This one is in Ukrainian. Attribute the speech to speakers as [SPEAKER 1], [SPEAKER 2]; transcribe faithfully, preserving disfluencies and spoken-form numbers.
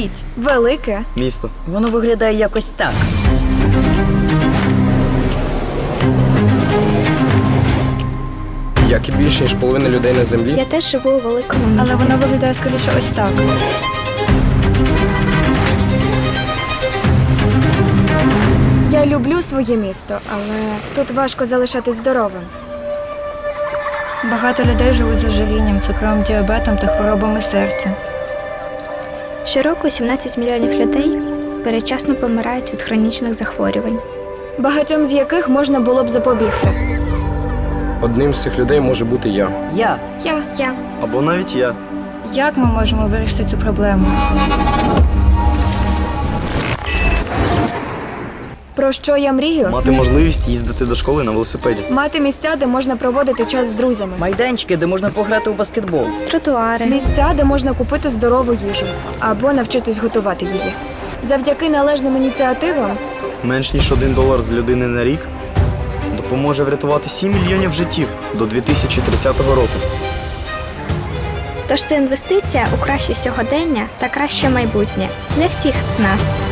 [SPEAKER 1] Уявіть,
[SPEAKER 2] Велике.
[SPEAKER 3] Місто.
[SPEAKER 1] воно виглядає якось так.
[SPEAKER 4] Як і більше, ніж половина людей на землі.
[SPEAKER 2] Я теж живу у великому місті.
[SPEAKER 1] Але воно виглядає скоріше ось так.
[SPEAKER 2] Я люблю своє місто, але тут важко залишатись здоровим.
[SPEAKER 1] Багато людей живуть з ожирінням, цукровим діабетом та хворобами серця.
[SPEAKER 5] Щороку сімнадцять мільйонів людей передчасно помирають від хронічних захворювань.
[SPEAKER 2] Багатьом з яких можна було б запобігти.
[SPEAKER 4] Одним з цих людей може бути я.
[SPEAKER 1] Я.
[SPEAKER 2] Я.
[SPEAKER 5] Я.
[SPEAKER 3] Або навіть я.
[SPEAKER 1] Як ми можемо вирішити цю проблему?
[SPEAKER 2] Про що я мрію?
[SPEAKER 3] Мати можливість їздити до школи на велосипеді.
[SPEAKER 2] Мати місця, де можна проводити час з друзями.
[SPEAKER 1] Майданчики, де можна пограти у баскетбол.
[SPEAKER 5] Тротуари.
[SPEAKER 2] Місця, де можна купити здорову їжу або навчитись готувати її. Завдяки належним ініціативам
[SPEAKER 3] Менш ніж один долар з людини на рік допоможе врятувати сім мільйонів життів до дві тисячі тридцятого року.
[SPEAKER 5] Тож це інвестиція у краще сьогодення та краще майбутнє для всіх нас.